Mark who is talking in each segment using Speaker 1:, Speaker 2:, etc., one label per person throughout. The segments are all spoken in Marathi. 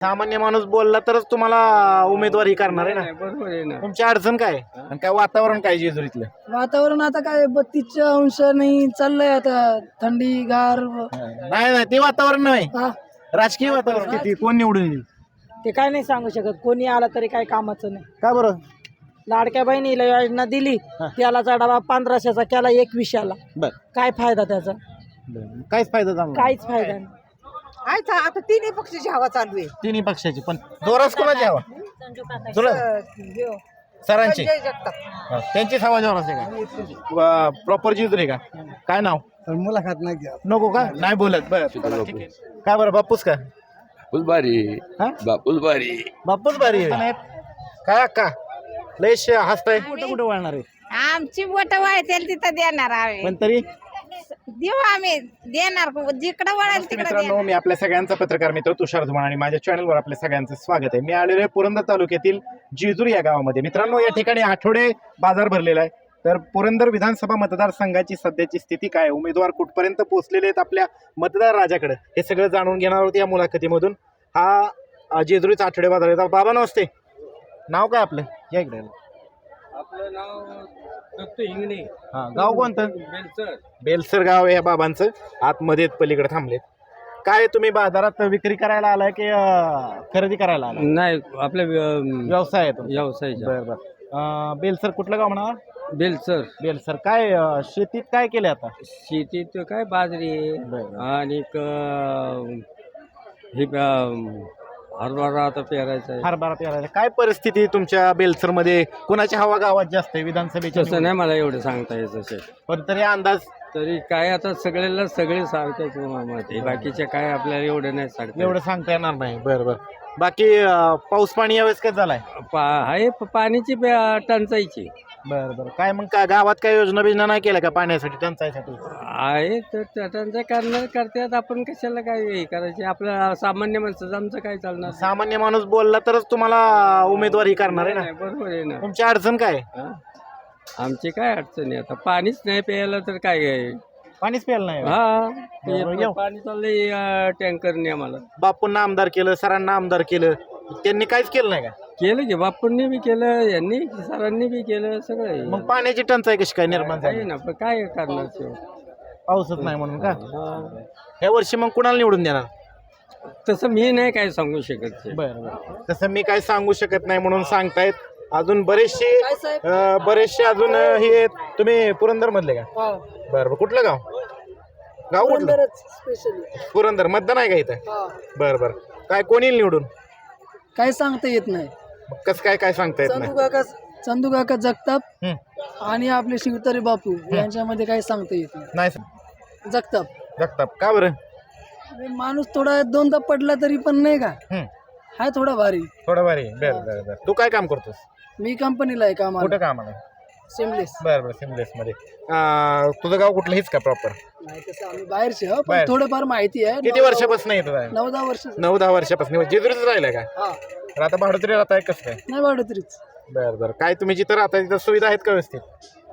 Speaker 1: सामान्य माणूस बोलला तरच तुम्हाला उमेदवारी करणार आहे ना.
Speaker 2: बरोबर आहे ना.
Speaker 1: तुमची अडचण काय आहे? आणि काय वातावरण काय जेजुरीतलं?
Speaker 3: वातावरण आता काय 32 अंश नाही चाललंय आता थंडी गार
Speaker 1: नाही नाही, ते वातावरण नाही,
Speaker 3: हा.
Speaker 1: राजकीय वातावरण. किती कोण निवडून येईल?
Speaker 3: ते काय नाही सांगू शकत कोणी आला तरी काय कामाचं नाही.
Speaker 1: का बरं?
Speaker 3: लाडक्या बहिणीला योजना दिली त्याला डबा 1500चा केला 2100ला.
Speaker 1: बर
Speaker 3: काय फायदा त्याचा?
Speaker 1: काहीच फायदा झाला नाही.
Speaker 3: काहीच फायदा नाही.
Speaker 4: आता तिन्ही पक्षाची हवा चालू आहे.
Speaker 1: तिन्ही पक्षाची, पण जोरास कोणाची हवा? सरांची.
Speaker 4: संजय जगताप.
Speaker 1: त्यांचीच हवा जोरास आहे का? प्रॉपर जेजुरी का? काय नाव?
Speaker 3: मुलाखत नाही घ्या.
Speaker 1: नको का? नाही बोलत. बरं ठीक आहे. काय बरं, बापूस का?
Speaker 2: फुलबारी
Speaker 1: हा?
Speaker 2: फुलबारी
Speaker 1: बापूस बारी आहे. काय अक्का लयश हसताय? कुठं कुठं वळणार आहे?
Speaker 5: आमची बोट वळतील तिथं देणार आम्ही.
Speaker 1: पण तरी
Speaker 5: देऊ आम्ही देणार जिकडं वळेल तिकडे
Speaker 1: मित्रांनो, मी आपल्या सगळ्यांचा पत्रकार मित्र तुषार धुमाळ आणि माझ्या चॅनलवर आपल्या सगळ्यांचं स्वागत आहे. मी आलेलो आहे पुरंदर तालुक्यातील जेजुरी या गावामध्ये. मित्रांनो, या ठिकाणी आठवडे बाजार भरलेला आहे. तर पुरंदर विधानसभा मतदारसंघाची सध्याची स्थिती काय, उमेदवार कुठपर्यंत पोहोचलेले आहेत आपल्या मतदार राजाकडे, हे सगळं जाणून घेणार आहोत या मुलाखतीमधून. हा जेजुरीचा आठवडे बाजार आहे. बाबा नमस्ते, नाव काय आपलं? या इकडे.
Speaker 2: आपलं नाव दत्त हिंगणे.
Speaker 1: हा, गाव कोणतं?
Speaker 2: बेलसर.
Speaker 1: बेलसर गाव आहे या बाबांचं. आतमध्ये पलीकडे थांबलेत. काय तुम्ही बाजारात विक्री करायला आलाय की खरेदी करायला आलाय?
Speaker 2: नाही आपल्या
Speaker 1: व्यवसाय आहे तुमचा?
Speaker 2: व्यवसायाच्या.
Speaker 1: बरं बरं. बेलसर कुठलं गाव म्हणा?
Speaker 2: बेलसर.
Speaker 1: बेलसर. काय शेतीत काय केले आता?
Speaker 2: शेतीत काय बाजरी आहे
Speaker 1: बरं.
Speaker 2: आणि हे हरभरा आता पेरायचा आहे.
Speaker 1: हरभरा पेरायला काय परिस्थिती तुमच्या बेलसर मध्ये? कोणाची हवा गावात जास्त आहे विधानसभेची?
Speaker 2: तसं नाही मला एवढं सांगता येत असे.
Speaker 1: पण तरी अंदाज?
Speaker 2: तरी काय आता सगळे सारखेच मत आहे. बाकीच्या काय आपल्याला एवढं नाही सांगता
Speaker 1: एवढं सांगता येणार नाही. बरं बरं. बाकी पाऊस पाणी यावेळेस काय झालाय?
Speaker 2: आहे पाण्याची टंचाईची
Speaker 1: बरं बरं. काय मग का गावात काय योजना बिजना नाही केल्या का पाण्यासाठी, टंचाईसाठी?
Speaker 2: आहे तर त्यांचं करतात. आपण कशाला काय हे करायचे? आपलं सामान्य माणसाचं आमचं काय चालणार?
Speaker 1: सामान्य माणूस बोलला तरच तुम्हाला उमेदवारी करणार आहे ना.
Speaker 2: बरोबर आहे ना.
Speaker 1: तुमची अडचण काय आहे?
Speaker 2: हा? आमची काय अडचण आहे आता? पाणीच नाही प्यायला तर काय आहे?
Speaker 1: पाणीच प्यायला नाही. बरोबर,
Speaker 2: हा
Speaker 1: येऊ.
Speaker 2: पाणी चाललंय टँकरने आम्हाला.
Speaker 1: बापूंना आमदार केलं, सरांना आमदार केलं, त्यांनी काहीच केलं नाही का?
Speaker 2: केलं की बापूंनी बी केलं, यांनी सरांनी बी केलं, सगळं आहे.
Speaker 1: मग पाण्याची टंचाई कशी काय निर्माण
Speaker 2: आहे
Speaker 1: झाली?
Speaker 2: ना, पण काय करणार ते?
Speaker 1: पाऊसच नाही म्हणून का?
Speaker 2: हा.
Speaker 1: या वर्षी मग कुणाला निवडून देणार?
Speaker 2: तसं मी नाही काय सांगू शकत ते.
Speaker 1: बरं बरं. तसं मी काय सांगू शकत नाही म्हणून सांगतायत. अजून बरेचसे अजून हे आहेत. तुम्ही पुरंदर मधले का? बरं बरं. कुठलं गाव? गाव कुठलं? पुरंदर. मतदान आहे का इथं? बरं बरं. काय कोणी निवडून?
Speaker 3: काय सांगता येत नाही.
Speaker 1: मग कसं काय सांगता येत नाही?
Speaker 3: चंदू काका जगताप
Speaker 1: हं.
Speaker 3: आणि आपले शिवतारे बापू यांच्यामध्ये काही सांगता येत नाही.
Speaker 1: नाही
Speaker 3: जगताप
Speaker 1: जगताप. का बरं?
Speaker 3: माणूस थोडा दोनदा पडला तरी पण नाही का,
Speaker 1: हं.
Speaker 3: हाय थोडा भारी.
Speaker 1: थोडं भारी. बरं बरं बरं. तू काय काम करतोस?
Speaker 3: मी कंपनीला आहे कामाला.
Speaker 1: कुठं कामाला?
Speaker 3: सिमलेस.
Speaker 1: बरं बरं. सिमलेस मध्ये. तुझं गाव कुठलं? हेच का प्रॉपर?
Speaker 3: नाही तसं आम्ही बाहेरचे हो, पण
Speaker 1: बाहेर.
Speaker 3: थोडंफार माहिती आहे.
Speaker 1: किती वर्षापासून येत आहे?
Speaker 3: 9-10 वर्ष.
Speaker 1: 9-10 वर्षापासून जेजुरीच राहिलाय का?
Speaker 3: हा,
Speaker 1: तर आता भाडोत्री राहताय कसं काय?
Speaker 3: नाही वाढत तरीच.
Speaker 1: बरं बरं. काय तुम्ही जिथं राहताय तिथं सुविधा आहेत का व्यवस्थित?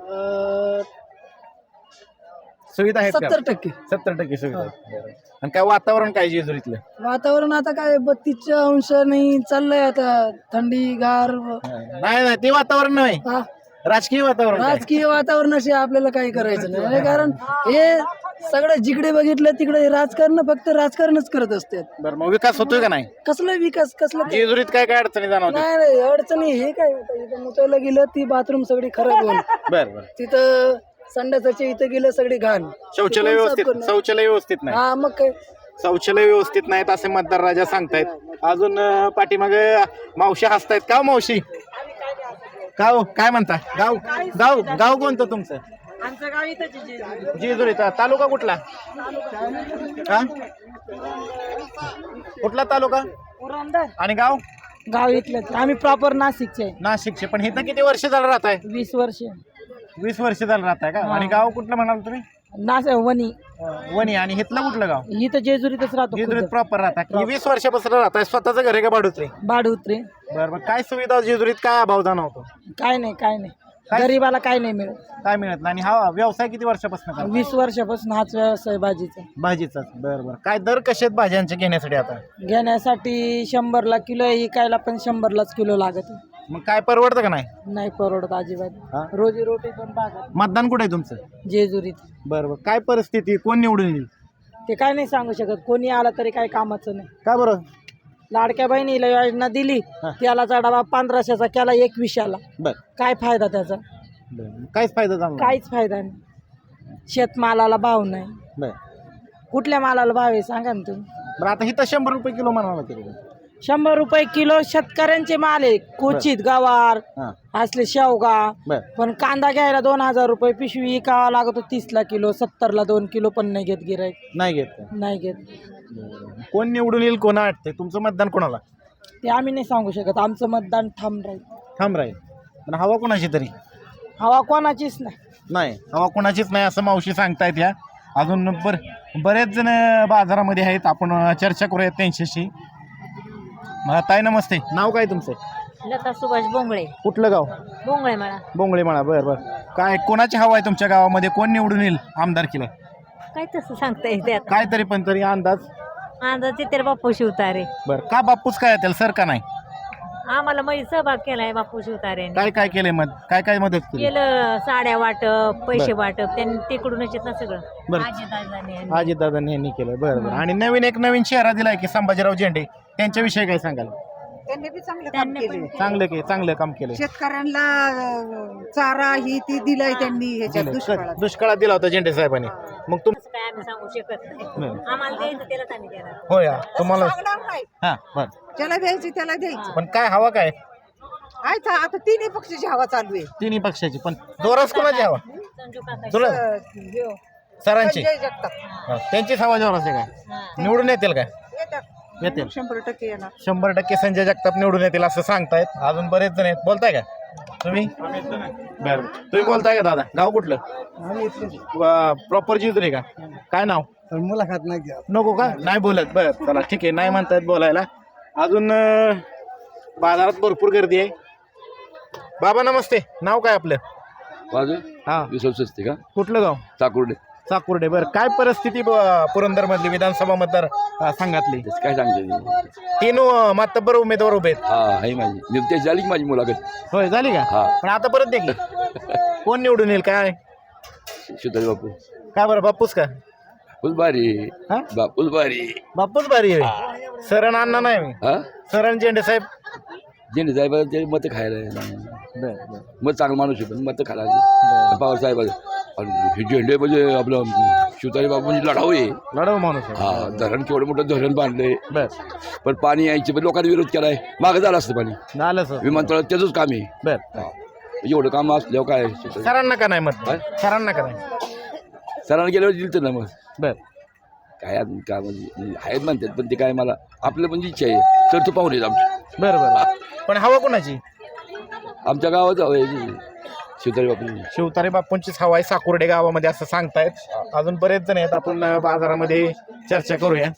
Speaker 3: 70%
Speaker 1: सुविधा आहेत का? 70% सुविधा आहेत. बरं. आणि काय वातावरण काय जेजुरीतलं?
Speaker 3: वातावरण आता काय 32 अंश नाही चाललंय आता थंडी गार
Speaker 1: नाही नाही, ते वातावरण नाही,
Speaker 3: हा.
Speaker 1: राजकीय वातावरण काय?
Speaker 3: राजकीय वातावरणाशी आपल्याला काही करायचं नाही, कारण हे सगळं जिकडे बघितलं तिकडे राजकारण फक्त राजकारणच करत असतात.
Speaker 1: बरं, मग विकास होतोय का नाही
Speaker 3: कसला विकास कसला?
Speaker 1: जेजुरीत? काय काय अडचणी जाणवतात?
Speaker 3: नाही नाही अडचणी हे काय आता इथं मुतायला गेलं ती बाथरूम सगळी खराब होऊन,
Speaker 1: बरं बरं.
Speaker 3: तिथं संडासाच्या इथं गेलं सगळी घाण.
Speaker 1: शौचालय व्यवस्थित नाही.
Speaker 3: हा मग काय
Speaker 1: शौचालय व्यवस्थित नाहीत असे मतदार राजा सांगतायत. अजून पाठीमागे मावशी हसतायत. का मावशी? का हो? काय म्हणता? गाव गाव गाव कोणतं तुमचं?
Speaker 3: आमचं गाव इथं
Speaker 1: जेजुरी. तालुका कुठला? हा? कुठला तालुका आणि गाव?
Speaker 3: गाव इथलं. आम्ही प्रॉपर नाशिकचे.
Speaker 1: नाशिकचे. पण इथं किती वर्ष झालं राहताय?
Speaker 3: 20 वर्ष.
Speaker 1: 20 वर्ष झालं राहताय का? आणि गाव कुठलं म्हणाल तुम्ही?
Speaker 3: वणी.
Speaker 1: वणी. आणि इथलं कुठलं गाव?
Speaker 3: इथं जेजुरीतच राहतो.
Speaker 1: जेजुरीत प्रॉपर राहता? 20 वर्षापासून राहताय. स्वतःचं घर आहे का भाडुत्री?
Speaker 3: भाडुत्रे.
Speaker 1: बरं बरं. काय सुविधा जेजुरीत? काय अभाव जाणवतो?
Speaker 3: काय नाही काय नाही.
Speaker 1: काय?
Speaker 3: गरीबाला काय नाही मिळत.
Speaker 1: काय मिळत नाही. आणि हा व्यवसाय किती वर्षापासून करता?
Speaker 3: 20 वर्षापासून हाच व्यवसाय भाजीचा.
Speaker 1: भाजीचाच. बरं बरं. काय दर कसे आहेत भाज्यांचे घेण्यासाठी आता?
Speaker 3: घेण्यासाठी 100ला किलो आहे, इकायला पण 100लाच किलो लागत आहे.
Speaker 1: मग काय परवडतं का नाही?
Speaker 3: नाही परवडत
Speaker 1: हा?
Speaker 3: अजिबात. रोजी रोटी पण भागत
Speaker 1: मतदान कुठे आहे तुमचं?
Speaker 3: जेजुरीत.
Speaker 1: बरं बरं. काय परिस्थिती, कोण निवडून येईल?
Speaker 3: ते काय नाही सांगू शकत, कोणी आला तरी काय कामाचं नाही.
Speaker 1: का बरं?
Speaker 3: लाडक्या बहिणीला योजना दिली,
Speaker 1: हा.
Speaker 3: त्याला डबा 1500चा केला 2100ला.
Speaker 1: बरं
Speaker 3: काय फायदा त्याचा?
Speaker 1: बरं. काहीच फायदा झाला नाही.
Speaker 3: काहीच फायदा नाही. शेतमालाला भाव नाही.
Speaker 1: बरं
Speaker 3: कुठल्या मालाला भाव आहे सांगा ना तुम्ही.
Speaker 1: बरं. आता हिथं 100 रुपये किलो म्हणावं लागेल.
Speaker 3: 100 रुपये किलो शेतकऱ्यांचे माल आहे. क्वचित गवार
Speaker 1: हां.
Speaker 3: असले शेवगा.
Speaker 1: बरं
Speaker 3: पण कांदा घ्यायला 2000 रुपये पिशवी विकावा लागतो 30ला किलो, 70ला 2 किलो पण नाही घेत गिराईक.
Speaker 1: नाही घेत का?
Speaker 3: नाही घेत.
Speaker 1: बरं. कोण निवडून येईल, कोणा वाटते? तुमचं मतदान कोणाला?
Speaker 3: ते आम्ही नाही सांगू शकत. आमचं मतदान ठाम राहील.
Speaker 1: थांब राहील. पण हवा कोणाची तरी
Speaker 3: हवा कोणाचीच नाही.
Speaker 1: नाही. हवा कोणाचीच नाही असं मावशी सांगतायत. या अजून बरेच जण बाजारामध्ये आहेत. आपण चर्चा करूयात त्यांच्याशी. ताई नमस्ते. नाव काय तुमचं?
Speaker 6: लता सुभाष बोंगळे.
Speaker 1: कुठलं गाव?
Speaker 6: बोंगळे मला
Speaker 1: बोंगळे मळा. बरं बरं. काय कोणाची हवा आहे तुमच्या गावामध्ये? कोण निवडून येईल आमदारकीला?
Speaker 6: काय तसं सांगता येते आता.
Speaker 1: काय तरी पण तरी अंदाज?
Speaker 6: अंदाजे तर बापू शिवतारे.
Speaker 1: बरं. का बापूस काय त्याला सर का नाही?
Speaker 6: आम्हाला मध्ये सहभाग केलाय बापू शिवतारेने.
Speaker 1: काय काय केलंय काय मदत केली?
Speaker 6: केलं साड्या वाटप, पैसे वाटप, त्यांनी तिकडूनच येत ना सगळं.
Speaker 1: बरं.
Speaker 6: आजीदादांनी.
Speaker 1: अजितदादांनी यांनी केलं. बरं बरं. आणि नवीन चेहरा दिलाय की संभाजीराव झेंडे, त्यांच्याविषयी काय सांगाल?
Speaker 4: त्यांनी बी चांगलं काम केले.
Speaker 1: चांगलं काम केलं.
Speaker 4: शेतकऱ्यांना चारा ही ती दिलाय त्यांनी ह्याच्यात दुष्काळात.
Speaker 1: दुष्काळात दिला होता झेंडे साहेबांनी. मग तुम
Speaker 6: असं काय आम्ही सांगू शकत नाही.
Speaker 1: नाही.
Speaker 6: आम्हाला द्यायचं त्यालाच आम्ही देणार.
Speaker 1: होय हा. तुम्हाला
Speaker 4: सांगणार नाही.
Speaker 1: हा बरं.
Speaker 4: ज्याला द्यायची त्याला द्यायचं.
Speaker 1: पण काय हवा काय?
Speaker 4: आहे आता तिन्ही पक्षाची हवा चालू आहे.
Speaker 1: तिन्ही पक्षाची. पण जोरास कोणाची हवा?
Speaker 6: संजू काका.
Speaker 1: तुला
Speaker 4: ह्यो,
Speaker 1: सरांची?
Speaker 4: संजय जगताप
Speaker 1: हा, त्यांचीच हवा जोरास आहे काय? निवडून येतील काय?
Speaker 4: येतात.
Speaker 1: येतील.
Speaker 4: 100% येणार.
Speaker 1: 100% संजय जगताप निवडून येतील असं सांगतायत. अजून बरेच जण आहेत. बोलताय का तुम्ही? बरं. तुम्ही बोलताय का दादा? गाव कुठलं? प्रॉपर जिजुरी का? काय नाव?
Speaker 3: मुलाखत नाही घ्या.
Speaker 1: नको का? नाही बोलत. बरं चला ठीक आहे. नाही म्हणतायत बोलायला. अजून बाजारात भरपूर गर्दी आहे. बाबा नमस्ते. नाव काय आपलं?
Speaker 7: माझं
Speaker 1: हा.
Speaker 7: विश्वस्त का
Speaker 1: कुठलं गाव?
Speaker 7: चाकुर्डे.
Speaker 1: चाकुर्डे. बरं. काय परिस्थिती पुरंदर मधली विधानसभा मतदार संघातली?
Speaker 7: त्याचं काय सांगते
Speaker 1: 3 मातब्बर उमेदवार उभे आहेत.
Speaker 7: हा आहे माझी निवतेश झाली की माझी मुलाखत.
Speaker 1: होय झाली का?
Speaker 7: हा.
Speaker 1: पण आता परत दे की. कोण निवडून येईल काय?
Speaker 7: शिवतारी बापू
Speaker 1: काय बरं बापूस का?
Speaker 7: बापूच भारी.
Speaker 1: हा?
Speaker 7: बापूच भारी.
Speaker 1: बापूच भारी आहे. सरण अण्णा नाही मी.
Speaker 7: हा
Speaker 1: सरण झेंडे साहेब.
Speaker 7: झेंडे साहेबांचे मत खायला
Speaker 1: बरं
Speaker 7: मत चांगला माणूस आहे पण मत खायला पवार साहेब. हे झेंडे म्हणजे आपलं शिवतारी बापू म्हणजे लढाऊ आहे.
Speaker 1: लढव माणूस आहे.
Speaker 7: हा धरण केवढं मोठं धरण बांधलंय.
Speaker 1: बर.
Speaker 7: पण पाणी यायचे पण लोकांनी विरोध केलाय. मागं झालं असतं पाणी.
Speaker 1: झालं सर.
Speaker 7: विमानतळात त्याचंच काम आहे.
Speaker 1: बर.
Speaker 7: हा. एवढं काम असल्यावर काय
Speaker 1: सरांना का नाही मत?
Speaker 7: काय?
Speaker 1: सरांना का नाही?
Speaker 7: सरांना गेल्यावर दिलं तर ना मग
Speaker 1: बर.
Speaker 7: काय अजून काय म्हणजे आहेत म्हणतात पण ते काय मला आपलं म्हणजे इच्छा आहे तर तो पाहून येत आमचं.
Speaker 1: बरं बरं. पण हवा कोणाची?
Speaker 7: आमच्या गावात हवं शिवतारी बापू.
Speaker 1: शिवतारे बापूंचीच हवा आहे साकुर्डे गावामध्ये असं सांगतायत. अजून बरेच जण आहेत. आपण बाजारामध्ये चर्चा करूया.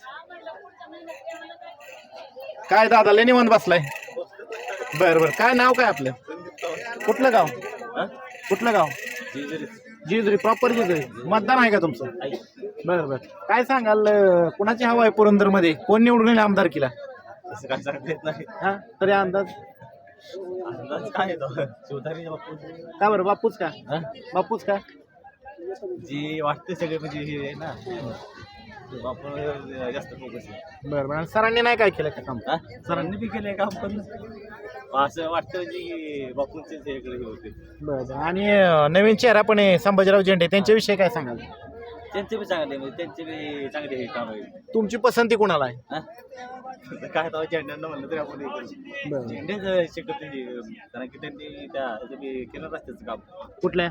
Speaker 1: काय दादा लय निवांत बसलाय? बरं बरं. काय नाव काय आपलं? कुठलं गाव? कुठलं गाव? जिजुरी. प्रॉपर जिजुरी. मतदान आहे का तुमचं? बरं बरं. काय सांगाल कुणाची हवा आहे पुरंदर मध्ये? कोण निवडून येईल आमदारकीला?
Speaker 8: असं काय सांगता येत नाही.
Speaker 1: हा तरी अंदाज
Speaker 8: काय येतो शिवतारी बापू
Speaker 1: का बरं? बापूच का? बापूच का?
Speaker 8: जी वाटते सगळे म्हणजे हे आहे ना बापू जास्त फोकस आहे.
Speaker 1: बरं बरं. आणि सरांनी नाही काय केलं का काम?
Speaker 8: सरांनी बी केलंय काम पण असं वाटतं म्हणजे की बापूंचे इकडे हे होते.
Speaker 1: बरं बरं. आणि नवीन चेहरा पण आहे संभाजीराव झेंडे, त्यांच्याविषयी काय सांगाल?
Speaker 8: त्यांचे बी चांगले म्हणजे त्यांचे बी चांगले हे काम आहे.
Speaker 1: तुमची पसंती कोणाला आहे?
Speaker 8: हा? काय तर झेंड्यांना म्हणलं तरी आपण
Speaker 1: बरं.
Speaker 8: झेंडेच शिकत कारण की त्यांनी त्या केलं रस्त्याचं काम.
Speaker 1: कुठल्या?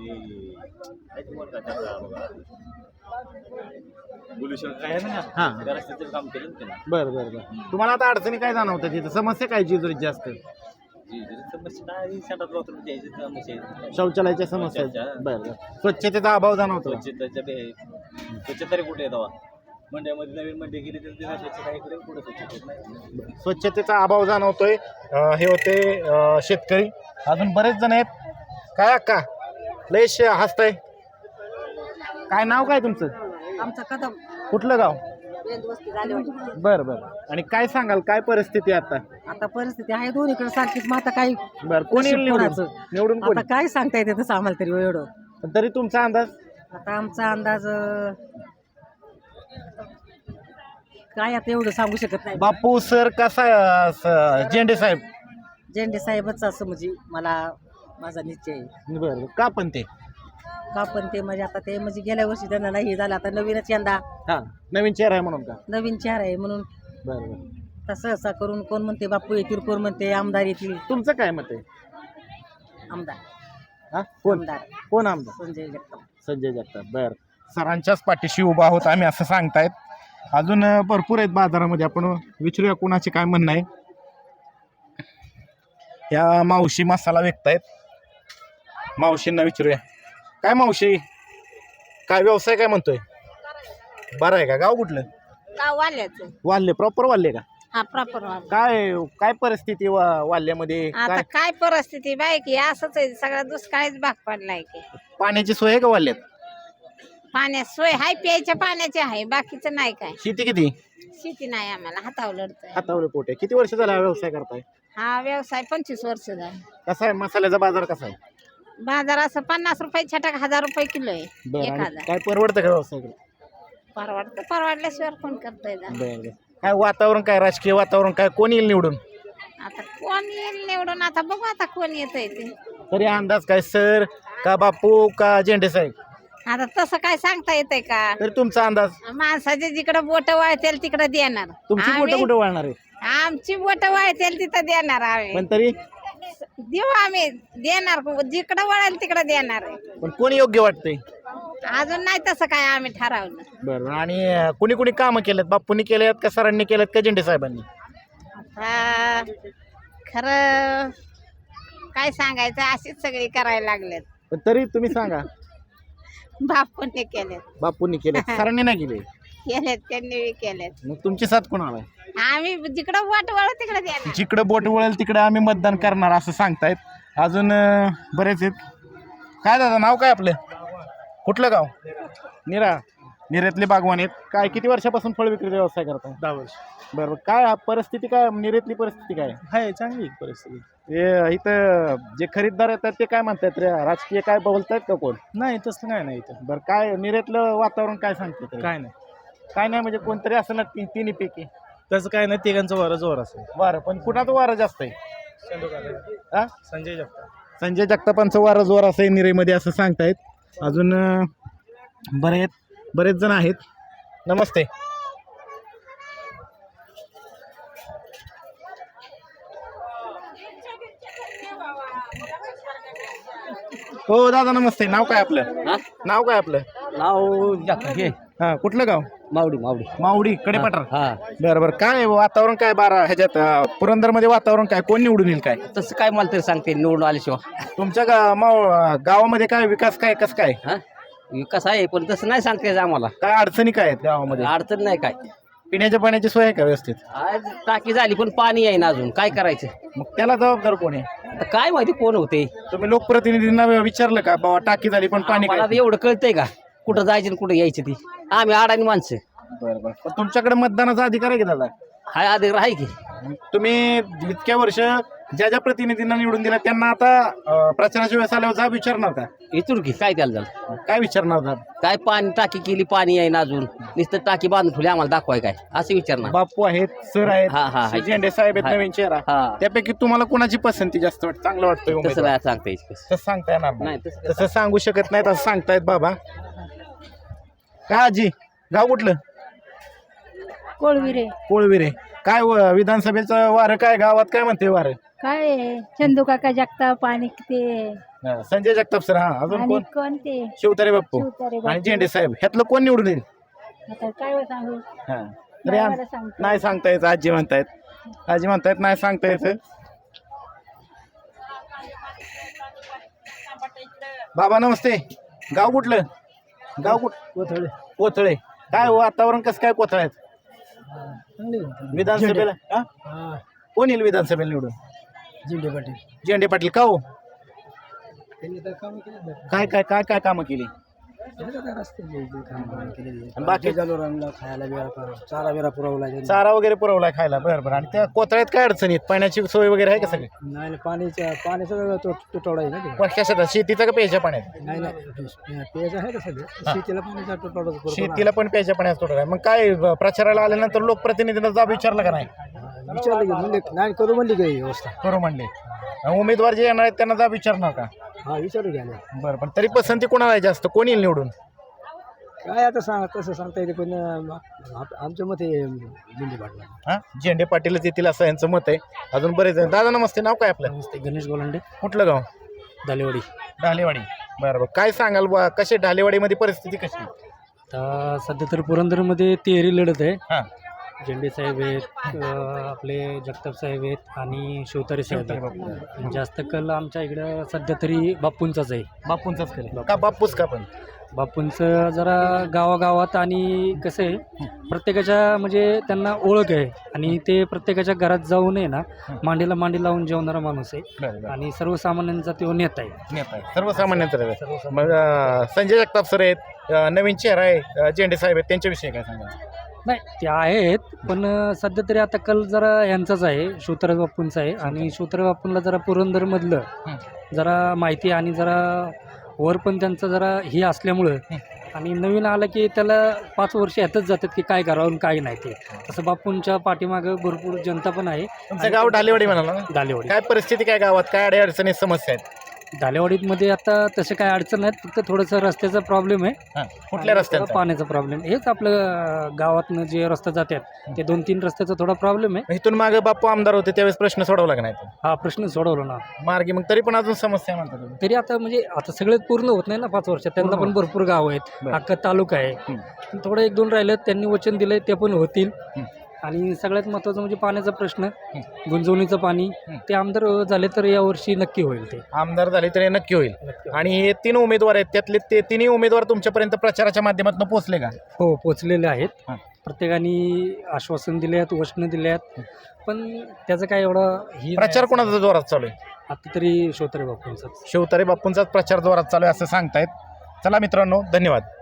Speaker 8: बुलूशर काय आहे ना
Speaker 1: हा.
Speaker 8: त्या रस्त्याचं काम केलं ना त्यांनी.
Speaker 1: बरं बरं बरं. तुम्हाला आता अडचणी काय जाणवतात तिथं? समस्या काय जिजुरीत जास्त?
Speaker 8: समस्या काय शेतात बाथरूम द्यायची समस्या आहे.
Speaker 1: शौचालयाच्या समस्या आहेत.
Speaker 8: शौचालयाच्या.
Speaker 1: बरं बरं. स्वच्छतेचा अभाव जाणवतो?
Speaker 8: स्वच्छता तरी कुठे येतो मंड्यामध्ये नवीन मंडी गेली तर तिला स्वच्छता इकडे कुठे स्वच्छता नाही.
Speaker 1: स्वच्छतेचा अभाव जाणवतोय. हे होते शेतकरी. अजून बरेच जण आहेत. काय अक्का लयश हसताय. काय नाव काय तुमचं?
Speaker 4: आमचा कदम
Speaker 1: कुठलं गाव? बर बर. आणि काय सांगाल काय परिस्थिती आहे आता?
Speaker 4: आता परिस्थिती आहे दोन्हीकडे सारखीच मग आता काही
Speaker 1: बर कोणी येईल निवडून?
Speaker 4: कोणाचं?
Speaker 1: निवडून कोणी?
Speaker 4: आता काय सांगता येते तसं आम्हाला तरी एवढं.
Speaker 1: पण तरी तुमचा अंदाज?
Speaker 4: आता आमचा अंदाज काय आता एवढं सांगू शकत नाही.
Speaker 1: बापू सर कसा झेंडे साहेब?
Speaker 4: झेंडे साहेबच असं म्हणजे मला माझा निश्चय आहे.
Speaker 1: बर का पण ते
Speaker 4: का पण ते म्हणजे आता ते म्हणजे गेल्या वर्षी त्यांना नाही झालं आता नवीनच यंदा
Speaker 1: हा नवीन चेहरा आहे म्हणून का?
Speaker 4: नवीन चेहरा आहे म्हणून
Speaker 1: बर बर.
Speaker 4: तसं असं करून कोण म्हणते बापू येतील कोण म्हणते आमदार येतील.
Speaker 1: तुमचं काय मत आहे?
Speaker 4: आमदार
Speaker 1: हा कोण
Speaker 4: आमदार
Speaker 1: कोण आमदार?
Speaker 4: संजय जगताप.
Speaker 1: संजय जगताप. बर सरांच्याच पाठीशी उभा आहोत आम्ही असं सांगतायत. अजून भरपूर आहेत बाजारामध्ये, आपण विचारूया कोणाचे काय म्हणणं आहे. या मावशी मसाला विकतायत, मावशींना विचारूया. काय मावशी काय व्यवसाय काय म्हणतोय? बरं आहे का? गाव कुठलं?
Speaker 5: गाव वाल्याचं.
Speaker 1: वाल्ले प्रॉपर वाल्ले का?
Speaker 5: हा प्रॉपर वाल.
Speaker 1: काय काय परिस्थिती वाल्ल्यामध्ये?
Speaker 5: आता
Speaker 1: काय
Speaker 5: काय परिस्थिती बाय की असंच आहे सगळा दुष्काळीच भाग पडलाय की.
Speaker 1: पाण्याची सोय आहे का वाल्ल्यात?
Speaker 5: पाण्यात सोय हाय, प्यायच्या पाण्याची आहे, बाकीचं नाही काय.
Speaker 1: शेती किती?
Speaker 5: शेती नाही आम्हाला, हातावर लढतोय.
Speaker 1: हातावर पोटे. किती वर्ष झाला हा व्यवसाय करताय?
Speaker 5: हा व्यवसाय 25 वर्ष झाला.
Speaker 1: कसा आहे मसाल्याचा बाजार कसा आहे?
Speaker 5: बाजार असं 50 रुपये छटाक 1000 रुपये किलो आहे.
Speaker 1: बरं.
Speaker 5: 1000
Speaker 1: आणि काय परवडतं का व्यवसाय?
Speaker 5: परवडतं, परवडल्याशिवाय कोण करतोय जा.
Speaker 1: बरं. काय वातावरण काय, राजकीय वातावरण काय, कोण येईल निवडून?
Speaker 5: आता कोण येईल निवडून, आता बघू आता कोण येतंय ते.
Speaker 1: तरी अंदाज काय, सर का बापू का झेंडे साहेब?
Speaker 5: आता तसं काय सांगता येतंय का?
Speaker 1: तरी तुमचा अंदाज?
Speaker 5: माणसाचे जिकडे बोट वळतील तिकडे देणार.
Speaker 1: तुमची बोटं कुठे वळणार आहे?
Speaker 5: आमची बोट वळतील तिथं देणार आम्ही.
Speaker 1: पण तरी
Speaker 5: देऊ आम्ही, देणार जिकडे वळेल तिकडे देणार आहे.
Speaker 1: पण कोणी योग्य वाटतंय?
Speaker 5: अजून नाही तसं काय आम्ही ठरवलं.
Speaker 1: बरं. आणि कुणी कुणी कामं केलेत? बापूंनी केलेत का सरांनी केलेत का झेंडे साहेबांनी?
Speaker 5: आता खरं काय सांगायचं, अशीच सगळी करायला लागलेत.
Speaker 1: पण तरी तुम्ही सांगा.
Speaker 5: बापूंनी केलेत.
Speaker 1: बापूंनी केलेत, सरांनी नाही केले.
Speaker 5: केलेत, त्यांनी बी केलेत.
Speaker 1: मग तुमची साथ कोणाला आहे?
Speaker 5: आम्ही जिकडं बोट वळ तिकडे देणार.
Speaker 1: जिकडं बोट वळेल तिकडे आम्ही मतदान करणार असं सांगतायत. अजून बरेच आहेत. काय दादा नाव काय आपलं? कुठलं गाव? निरा. निरेतले बागवान आहेत. काय किती वर्षापासून फळ विक्री व्यवसाय करताय?
Speaker 2: 10 वर्ष.
Speaker 1: बरोबर. काय परिस्थिती काय निरेतली परिस्थिती काय
Speaker 2: आहे चांगली परिस्थिती.
Speaker 1: हे इथं जे खरीददार येतात ते काय म्हणतात रे, राजकीय काय बोलतायत का कोण?
Speaker 2: नाही तसं काय नाही इथं.
Speaker 1: बरं. काय निरेतलं वातावरण काय सांगते?
Speaker 2: काय नाही
Speaker 1: काय नाही म्हणजे कोणतरी असं ना तिन्ही पैकी
Speaker 2: तसं काय नाही, तिघांचं वारं जोर असेल.
Speaker 1: वारं. पण कुणाचं वारं जास्त आहे? हा?
Speaker 2: संजय जगताप.
Speaker 1: संजय जगतापांचं वारं जोर असं आहे निरेमध्ये असं सांगतायत. अजून बरेच जण आहेत. नमस्ते. हो दादा नमस्ते. नाव काय आपलं? नाव काय आपलं?
Speaker 2: नाव
Speaker 1: हा कुठलं गाव?
Speaker 2: मावडी.
Speaker 1: मावडी कडेपठार.
Speaker 2: हा
Speaker 1: बरं बरं. काय वातावरण काय बारा ह्याच्यात पुरंदरमध्ये वातावरण काय, कोण निवडून येईल काय?
Speaker 2: तसं काय मला तरी सांगते निवडून आल्याशिवाय.
Speaker 1: तुमच्या गावामध्ये काय विकास काय कसं काय?
Speaker 2: हा विकास आहे पण तसं नाही सांगता येत आम्हाला.
Speaker 1: काय अडचणी काय आहेत गावामध्ये?
Speaker 2: अडचण नाही काय.
Speaker 1: पिण्याच्या पाण्याची सोय आहे का व्यवस्थित?
Speaker 2: आज टाकी झाली पण पाणी आहे ना अजून, काय करायचं?
Speaker 1: मग त्याला जबाबदार कोण आहे?
Speaker 2: आता काय माहिती कोण होते.
Speaker 1: तुम्ही लोकप्रतिनिधींना विचारलं का बाबा टाकी झाली पण पाणी
Speaker 2: मला
Speaker 1: काय?
Speaker 2: एवढं कळतंय का कुठं जायचं आणि कुठं यायचं ती? आम्ही अडाणी माणसं.
Speaker 1: बरं बरं. पण तुमच्याकडे मतदानाचा अधिकार आहे की दादा?
Speaker 2: हाय अधिक आहे की.
Speaker 1: तुम्ही इतक्या वर्ष ज्या प्रतिनिधींना निवडून दिला त्यांना आता प्रचाराच्या वेळेस आल्यावर जा विचारणार का?
Speaker 2: इथून की काय त्याला झालं?
Speaker 1: काय विचारणार जा?
Speaker 2: काय पाणी टाकी केली, पाणी आहे ना अजून, नुसतं टाकी बांधून ठेवली आम्हाला दाखवाय काय असं विचारणार?
Speaker 1: बापू आहेत, सर
Speaker 2: हा, हा,
Speaker 1: आहेत,
Speaker 2: हा.
Speaker 1: झेंडे साहेब आहेत, नवीन चेहरा.
Speaker 2: हा
Speaker 1: त्यापैकी तुम्हाला कोणाची पसंती जास्त वाटत, चांगलं वाटतंय
Speaker 2: तसं
Speaker 1: उमेदवार?
Speaker 2: नाही सांगता येत.
Speaker 1: तसं सांगता येणार
Speaker 2: नाही,
Speaker 1: नाही.
Speaker 2: तसं
Speaker 1: तसं सांगू शकत नाहीत असं सांगतायत बाबा. काय आजी गाव कुठलं?
Speaker 9: कोळविरे.
Speaker 1: कोळविरे. काय विधानसभेचं वारं काय गावात काय म्हणते वारं?
Speaker 9: काय आहे? चंदू काका जगताप आणि ते
Speaker 1: संजय जगताप सर. हा अजून
Speaker 9: आणि
Speaker 1: कोण?
Speaker 9: कोण ते
Speaker 1: शिवतारे बाप्पू
Speaker 9: शिवतारे बापू.
Speaker 1: आणि झेंडे साहेब. ह्यातलं कोण निवडून येईल?
Speaker 9: आता काय सांगू?
Speaker 1: हा तरी
Speaker 9: गावाला सांगतो.
Speaker 1: नाही सांगता येत. आजी म्हणतायत नाही सांगता येत. बाबा नमस्ते. गाव कुठलं? गाव कोथळे. कोथळे. काय वातावरण कसं काय कोथळ्यात विधानसभेला? हा? कोण येईल विधानसभेला निवडून?
Speaker 3: झेंडे पाटील.
Speaker 1: झेंडे पाटील. का हो? काय काय काय काय कामं केली आणि बाकी
Speaker 3: जनावरांना खायला बिरा चारा बिरा पुरवला
Speaker 1: चारा वगैरे पुरवलाय खायला बरं बरं. आणि त्या कोतळ्यात काय अडचणीत पाण्याची सोय वगैरे आहे का सगळी
Speaker 3: नाही पाण्याचा तुटवडा आहे ना ते.
Speaker 1: कशाचा शेतीचा का प्यायच्या पाण्यात
Speaker 3: नाही नाही पेयचं आहे का सगळं शेतीला पाण्याचा तुटवडा
Speaker 1: शेतीला पण प्यायच्या पाण्याचा तुटवडा आहे. मग काय प्रचाराला आल्यानंतर लोकप्रतिनिधींना जाब विचारला का नाही
Speaker 3: विचारलं की म्हणजे नाही करू म्हणली काही व्यवस्था
Speaker 1: करू म्हणले उमेदवार जे येणार आहेत त्यांना जाब विचारणार का
Speaker 3: हा विचारू घ्या
Speaker 1: बरं पण तरी पसंती कोणाला आहे जास्त कोण येईल निवडून
Speaker 3: काय आता तसं सांगता येते पण आमचं मत आहे दिंडी पाटला.
Speaker 1: हा झेंडे पाटीलच येतील असं यांचं मत आहे. अजून बरेच आहे. दादा नमस्ते, नाव काय आपलं?
Speaker 3: गणेश गोलांडे
Speaker 1: कुठलं गाव?
Speaker 3: दालेवाडी.
Speaker 1: ढालेवाडी. बरं बरं काय सांगाल बा कशी ढालेवाडीमध्ये परिस्थिती कशी?
Speaker 3: तर सध्या तर पुरंदरमध्ये तिहेरी लढत आहे.
Speaker 1: हां
Speaker 3: झेंडे साहेब आहेत, आपले जगताप साहेब आहेत आणि शिवतारे साहेब आहेत. जास्त कल आमच्या इकडं सध्या तरी बापूंचाच आहे.
Speaker 1: बापूंचाच केलं का? बापूच का? पण
Speaker 3: बापूंचं जरा गावागावात आणि कसं आहे प्रत्येकाच्या म्हणजे त्यांना ओळख आहे आणि ते प्रत्येकाच्या घरात जाऊन आहे ना मांडीला मांडी लावून जेवणारा माणूस आहे आणि सर्वसामान्यांचा तो नेता आहे.
Speaker 1: नेता आहे सर्वसामान्यांचा. मग संजय जगताप सर आहेत, नवीन चेहरा आहे झेंडे साहेब आहेत, त्यांच्याविषयी काय सांगा?
Speaker 3: नाही ते आहेत पण सध्या तरी आता कल जरा यांचाच आहे शिवतारे बापूंचा आहे आणि शिवतारे बापूंना जरा पुरंदरमधलं जरा माहिती आणि जरा वर पण त्यांचं जरा हे असल्यामुळं आणि नवीन आलं की त्याला 5 वर्ष ह्यातच जातात की काय करावं आणि काय नाही ते. असं बापूंच्या पाठीमागं भरपूर जनता पण आहे.
Speaker 1: तुमचं गाव ढालेवाडी म्हणाला ना?
Speaker 3: दालेवाडी.
Speaker 1: काय परिस्थिती काय गावात काय अडचणी समस्या आहेत?
Speaker 3: दालेवाडीमध्ये आता तसे काय अडचण नाहीत, फक्त थोडंसं रस्त्याचा प्रॉब्लेम आहे.
Speaker 1: कुठल्या रस्त्यात?
Speaker 3: पाण्याचा प्रॉब्लेम. हेच आपलं गावातनं जे रस्ते जातात ते 2-3 रस्त्याचा थोडा प्रॉब्लेम आहे.
Speaker 1: इथून मागे बापू आमदार होते त्यावेळेस प्रश्न सोडवला का नाही?
Speaker 3: हा प्रश्न सोडवला ना
Speaker 1: मार्गी. मग तरी पण अजून समस्या म्हणतात तुम्ही?
Speaker 3: तरी आता म्हणजे आता सगळेच पूर्ण होत नाही ना 5 वर्षात. त्यांना पण भरपूर गाव आहेत, अख्खा तालुका आहे. थोडं 1-2 राहिलेत, त्यांनी वचन दिलंय ते पण होतील. आणि सगळ्यात महत्त्वाचं म्हणजे पाण्याचा प्रश्न, गुंजवणीचं पाणी ते आमदार झाले तर यावर्षी नक्की होईल. ते
Speaker 1: आमदार झाले तर नक्की होईल. आणि हे 3 उमेदवार आहेत त्यातले ते 3ही उमेदवार तुमच्यापर्यंत प्रचाराच्या माध्यमातून पोहोचले का?
Speaker 3: हो पोचलेले आहेत. प्रत्येकाने आश्वासन दिले आहेत, वचनं दिले आहेत, पण त्याचं काय एवढं ही
Speaker 1: प्रचार कोणाचा जोरात चालू आहे?
Speaker 3: आता तरी शिवतारे बापूंचाच.
Speaker 1: शिवतारे बापूंचाच प्रचार जोरात चालू आहे असं सांगतायत. चला मित्रांनो, धन्यवाद.